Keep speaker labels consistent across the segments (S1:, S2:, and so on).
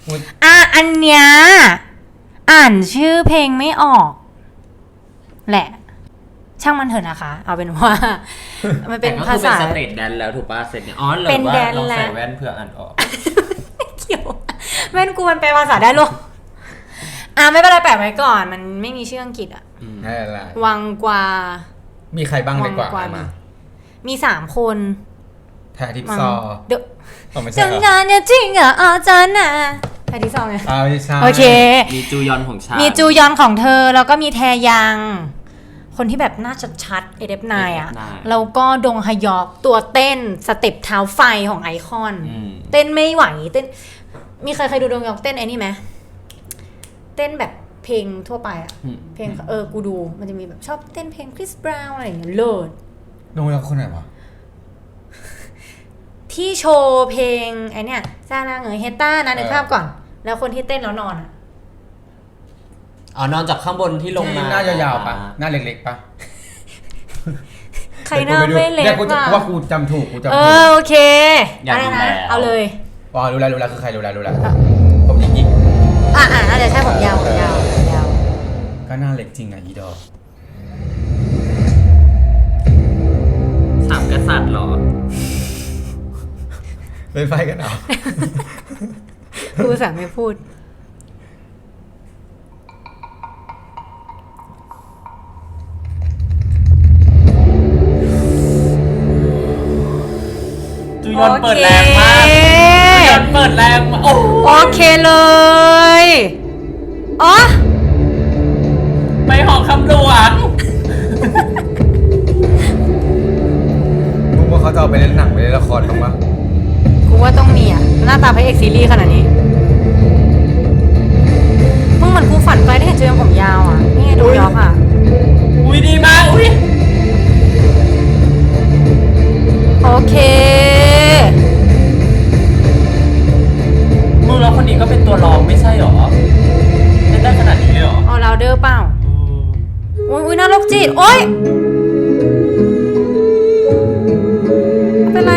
S1: อันเนี้ยอ่านชื่อเพลงไม่ออกแหละช่างมันเถอะนะคะเอาเป็นว่ามันเป็นภาษา
S2: เป็นสเตทแดนแล้วถูกป่ะเสร็จเนี่ยอ๋อหรือว่าลองใส่แว่นเพื่ออ่านออก
S1: เกี่ยวแว่นกูมันแปลภาษาได้ลูกไม่เป็นไรแปะไว้ก่อนมันไม่มีชื่ออังกฤษวังกวา
S3: มีใครบ้างในกว่ามา
S1: มี3 คน
S3: แพรทิพย์ซอ
S1: จังงานเนี่ยจริงเหรออาจารย์นะแพรทิพย์ซอไงโอเค
S2: มีจูยอนของฉัน
S1: มีจูยอนของเธอแล้วก็มีแทยังคนที่แบบหน้าชัดๆเอเดฟนายอ่ะแล้วก็ดงฮยอกตัวเต้นสเต็ปเท้าไฟของไอคอนเต้นไม่ไหวเต้นมีใครดูดงฮยอกเต้นไอ้นี่ไหมเต้นแบบเพลงทั่วไปอ่ะเพลงกูดูมันจะมีแบบชอบเต้นเพลงคริสบราวน์อะไรอย่างเงี้ยเลิศ
S3: ดงฮยอกคนไหนวะ
S1: ที่โชว์เพลงไอเนี้ยซาลาเงยเฮต้านะนึกภาพก่อนแล้วคนที่เต้นแล้วนอนอ่ะ
S2: นอนจากข้างบนที่ลงมา
S3: หน้ายาวๆปะหน้าเล็กๆปะ
S1: ใครหน้าไม่เล็ก
S3: ป่ะว่ากูจำถูก
S1: โอเค
S2: อยากดูแล
S1: เอาเลย
S3: รู้แล้วคือใครรู้แล้วผมหยิก
S1: น่าจะใช่ผมยาว
S3: ก็หน้าเล็กจริงอ่ะอีดอ
S2: 3 กษัตริย์หรอ
S3: เป็นไฟกันเอา
S1: กูสั่งไม่พูด
S2: จูยอนเปิดแรงมากจูยอนเปิดแรงมาก
S1: โอเคเลย
S2: ไปหอคำหลวง
S3: มึงว่าเขาจะเอาไปเล่นหนังไปเล่นละครบ้างปะ
S1: กูว่าต้องมีหน้าตาพระเอกซีรีส์ขนาดนี้มึงเหมือนกูฝันไปได้เห็นจูยอนผมยาวนี่ไงดูยอก
S2: อุ้ยดีมาก
S1: โอเค
S2: มึงแล้วคนนี้ก็เป็นตัวรองไม่ใช่หรอเล่นได้ขนาดนี้เลยหรอ
S1: เราเดอร์เปล่าอุ้ยน่าโรคจิตโอ๊ยเป็นไร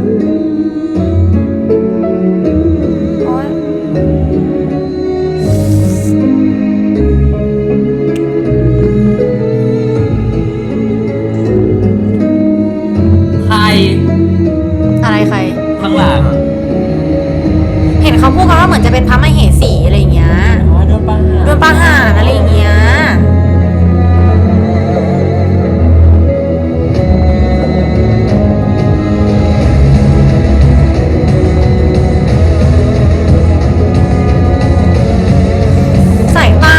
S1: โอ๊ยอะไรใคร
S2: ข้างหลัง
S1: เห็นเขาพูดกันว่าเหมือนจะเป็นพระมเหสีอะไรอย่างเงี้ยโดนประหารอะไรอย่างเงี้ยสายตา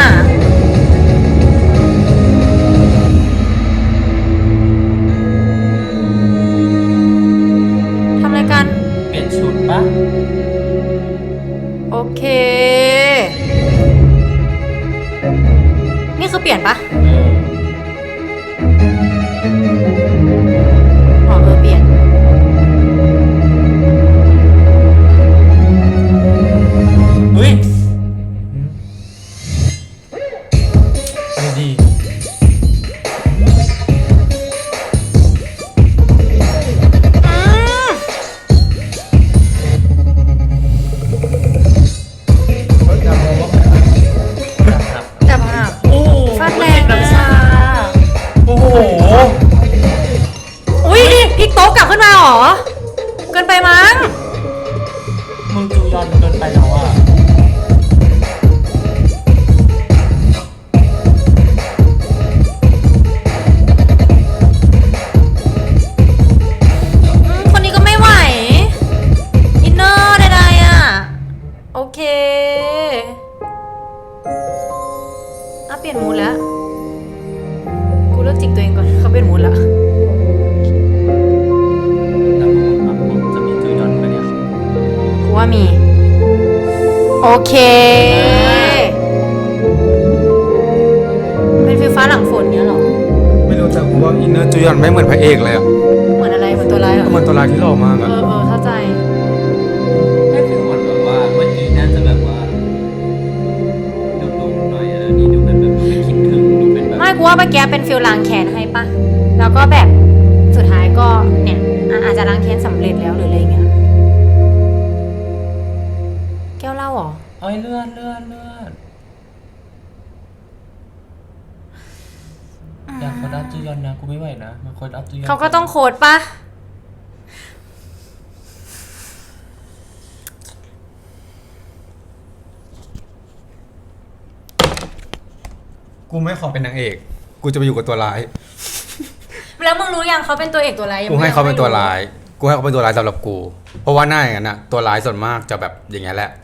S1: ทำอะไรกัน
S2: เปลี่ยนชุดปะ
S1: โอเคนี่คือเปลี่ยนปะเปลี่ยน
S2: อุ้ย
S3: ดี
S1: โต๊ะกลับขึ้นมาหรอเกินไปมั้ง
S2: มึงจูยอนเกินไปแล้ว
S1: คนนี้ก็ไม่ไหวอินเนอร์ใดๆโอเคเปลี่ยนมูดแล้วกูเลิกจิกตัวเองก่อนเขาเปลี่ยนมูดแล้วว่ามีโอเคเป็นไฟฟ้าหลังฝนเนี้ยหรอ
S3: ไม่รู้แต่ว่าอินเนอร์จูยอนไม่เหมือนพระเอกเลย
S1: เหมือนอะไรเหมือนตัวร้ายเหรอ
S3: เหมือนตัวร้ายที่หล่อมาก
S1: เข้าใจ
S2: ไม่คือเหมือนแบบว่าเมื่อกี้น่าจะแบบว่าดุๆหน่อยนี่ดูแบบไม่คิดถึงดูเป็นแบบ
S1: ไม่กูว่าเมื่อกี้เป็นฟิลล้างแค้นให้ปะแล้วก็แบบสุดท้ายก็เนี่ยอาจจะล้างแค้นสำเร็จแล้วหรืออะไรเงี้ยแก้วเหล้าเหรอ
S2: เอ้ยเลื่อน อยากโคดอัพจูยอนนะกูไม่ไหวนะมาโคดอัพจูยอน
S1: เขาก็ต้องโค้ดปะ
S3: กูไม่ขอเป็นนางเอก กูจะไปอยู่กับตัวร้าย
S1: แล้วมึงรู้ยังเขาเป็นตัวเอกตัวร้ายยัง
S3: กูให้เขาเป็นตัวร้าย กูให้เขาเป็นตัวร้ายสำหรับกู เพราะว่าหน้าอย่างนั้นอะตัวร้ายส่วนมากจะแบบอย่างเงี้ยแหละ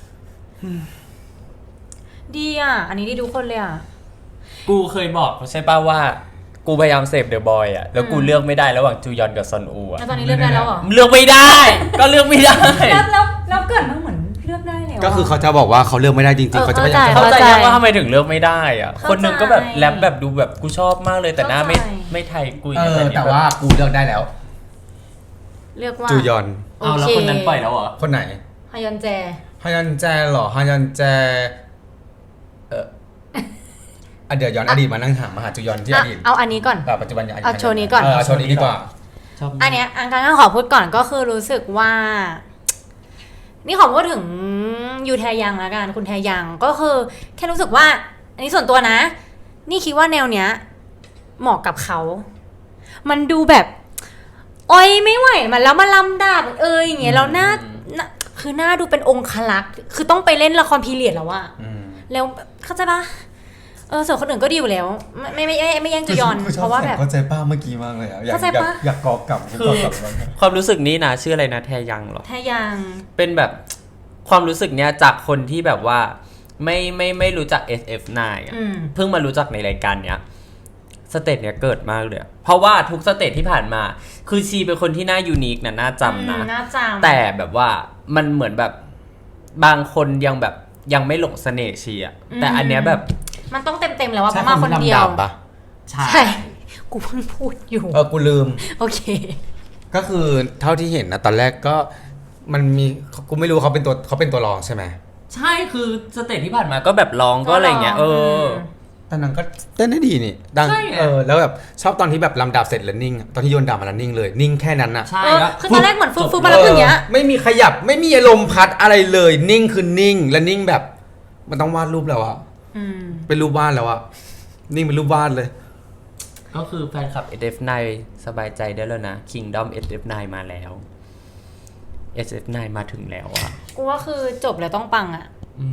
S1: ดีอ่ะ อันนี้ดีทุกคนเลยอ่ะ
S2: กูเคยบอกใช่ป่ะว่ากูพยายามเสพเดอะบอยอะแล้วกูเลือกไม่ได้ระหว่างจูยอนกับซอนอูอะ
S1: แล้วตอนนี้เลือกได้แล้วเหรอ
S2: เลือกไม่ได้ ก็เลือกไม่ได้
S1: แล้วเกิดมาเหมือนเลือกได้แล้ว
S3: ก็คือเขาจะบอกว่าเขาเลือกไม่ได้จริงๆ เขาจะไม่อยาก
S2: เข้าใจ
S1: เข้าใจ
S2: ยังว่าทำไมถึงเลือกไม่ได้อะ
S1: เข้าใจ
S2: คนหนึงก็แบบแรปแบบดูแบบกูชอบมากเลยแต่หน้าไม่
S1: เข้าใจ
S2: ไม่ไทยกุย
S3: แต่ว่ากูเลือกได้แล้ว
S1: เลือกว่า
S3: จูยอน
S2: เอาแล้วคนนั้นปล่อยแล้วเหรอ
S3: คนไหน
S1: ฮยอนแจ
S3: ฮยันแจเหรอฮยันแจเดี๋ยวย้อนอดีตมานั่งถามมาหาจูยอนที่อดีต
S1: เอาอันนี้ก่อน
S3: กับปัจจุบันอย่าง
S1: เอาโชว์นี้ก่อน
S3: โชว์นี้ดีกว่า
S2: ชอบ
S1: อันเนี้ยอันการขอพูดก่อนก็คือรู้สึกว่า นี่ขอพูดถึงยูแทยังแล้วกันคุณแทยังก็คือแค่รู้สึกว่า อันนี้ส่วนตัวนะ นี่คิดว่าแนวเนี้ย เหมาะกับเขา มันดูแบบโอ๊ยไม่ไหวมันแล้วมาลำดาบอย่างเงี้ยแล้วหน้าคือหน้าดูเป็นองคลักษณ์คือต้องไปเล่นละครพีเรียดแล้วอะแล้วเข้าใจปะส่วนคนอื่นก็ดีอยู่แล้ว ไม่แย่งจูยอนเพราะว่าแบบ
S3: เข้าใจป้าเมื่อกี้มากเลยอ่ะ
S1: เข้าใจปะ
S3: อยากกอกลับ
S2: คือความรู้สึกนี้นะชื่ออะไรนะแทยังเหรอ
S1: แทยัง
S2: เป็นแบบความรู้สึกเนี้ยจากคนที่แบบว่าไม่รู้จัก SF9 อะ เพิ่งมารู้จักในรายการเนี้ยสเตจเนี้ยเกิดมากเลยอะเพราะว่าทุกสเตจที่ผ่านมาคือชีเป็นคนที่น่ายูนิคนะน่าจำนะ
S1: น่าจำ
S2: แต่แบบว่ามันเหมือนแบบบางคนยังแบบยังไม่หลงเสน่ห์ชีอะแต่อันเนี้ยแบบ
S1: มันต้องเต็มๆแล้วว่าเพราะมาคนเดียว
S3: ปะ
S2: ใช่
S1: ใช่กูเพิ่งพูดอยู่
S3: กูลืม
S1: โอเค
S3: ก็คือเท่าที่เห็นนะตอนแรกก็มันมีกูไม่รู้เขาเป็นตัวรองใช่ไหม
S2: ใช่คือสเตจที่ผ่านมาก็แบบร้องก็อะไรเงี้ย
S3: แต่นางก็เต้นได้ดีนี่ดัง
S2: ใช่ไง
S3: แล้วแบบชอบตอนที่แบบลำดาบเสร็จแล้วนิ่งตอนที่โยนดาบมาแล้วนิ่งเลยนิ่งแค่นั้นน่ะ
S2: ใช่แล้ว
S1: คือตอนแรกเหมือนฟื้นมาแล้วอย่างเงี้ย
S3: ไม่มีขยับไม่มีอารมณ์พัดอะไรเลยนิ่งคือนิ่งและนิ่งแบบมันต้องวาดรูปแล้วอะเป็นรูปวาดแล้วอะนิ่งเป็นรูปวาดเลย
S2: ก็คือแฟนคลับ SF9 สบายใจได้แล้วนะ Kingdom SF9 มาแล้ว SF9 มาถึงแล้วอะ
S1: กูว่าคือจบแล้วต้องปังอ่ะ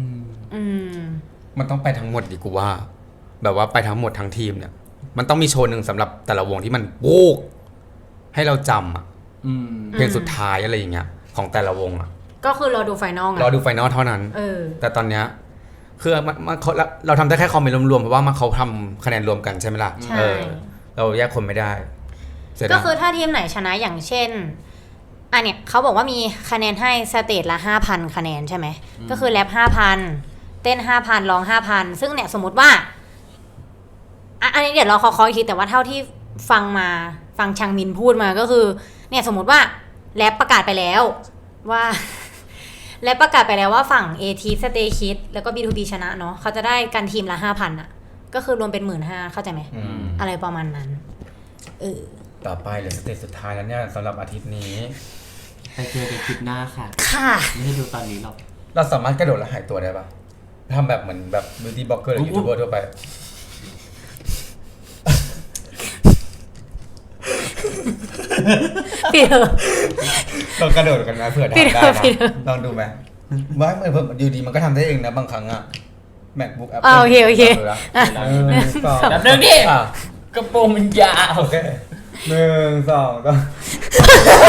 S3: มันต้องไปทั้งหมดดิกูว่า แบบว่าไปทั้งหมดทั้งทีมเนี่ย มันต้องมีโชว์หนึ่งสำหรับแต่ละวงที่มันโป๊กให้เราจำอะเพลงสุดท้ายอะไรอย่างเงี้ยของแต่ละวงอะ
S1: ก็คือรอดูไฟนอล
S3: รอดูไฟนอลเท่านั้น แต่ตอนเนี้ยคือเราทำได้แค่คอมเมนต์รวมๆเพราะว่าเขาทำคะแนนรวมกันใช่ไหมล่ะ
S1: ใช่
S3: เราแยกคนไม่ได้
S1: ก็คือถ้าทีมไหนชนะอย่างเช่นอันเนี้ยเขาบอกว่ามีคะแนนให้สเตจละ 5,000 คะแนนใช่ไหมก็คือแรป 5,000 เต้น 5,000 ร้อง 5,000 ซึ่งเนี่ยสมมติว่าอันนี้เดี๋ยวเราขออีกทีแต่ว่าเท่าที่ฟังชังมินพูดมาก็คือเนี่ยสมมติว่าแรปประกาศไปแล้วว่า และประกาศไปแล้วว่าฝั่ง AT Stay Kid แล้วก็ B2B ชนะเนาะเขาจะได้กันทีมละ 5,000 อ่ะ ก็คือรวมเป็น 15,000 เข้าใจไหมอะไรประมาณนั้น
S3: ต่อไปเหลือสเตจสุดท้ายแล้วเนี่ยสำหรับอาทิตย์นี้
S2: ไปเจอกันคลิปหน้าค่ะ
S1: ค่ะ
S2: ไม่ให้ดูตอนนี้หรอก
S3: เราสามารถกระโดดแล้วหายตัวได้ปะทำแบบเหมือนแบบ beauty blogger หรือ youtuber ทั่วไป
S1: พี่เถอะ
S3: ลองกระโดดกันนะเผื่อทำได้นะลองดูไหมว่าเหมือนอยู่ดีมันก็ทำได้เองนะบางครั้งอะ MacBook Apple
S1: โอเค
S2: แบบนึงดิกระโปรงมันยาว
S3: โอเค1 2 3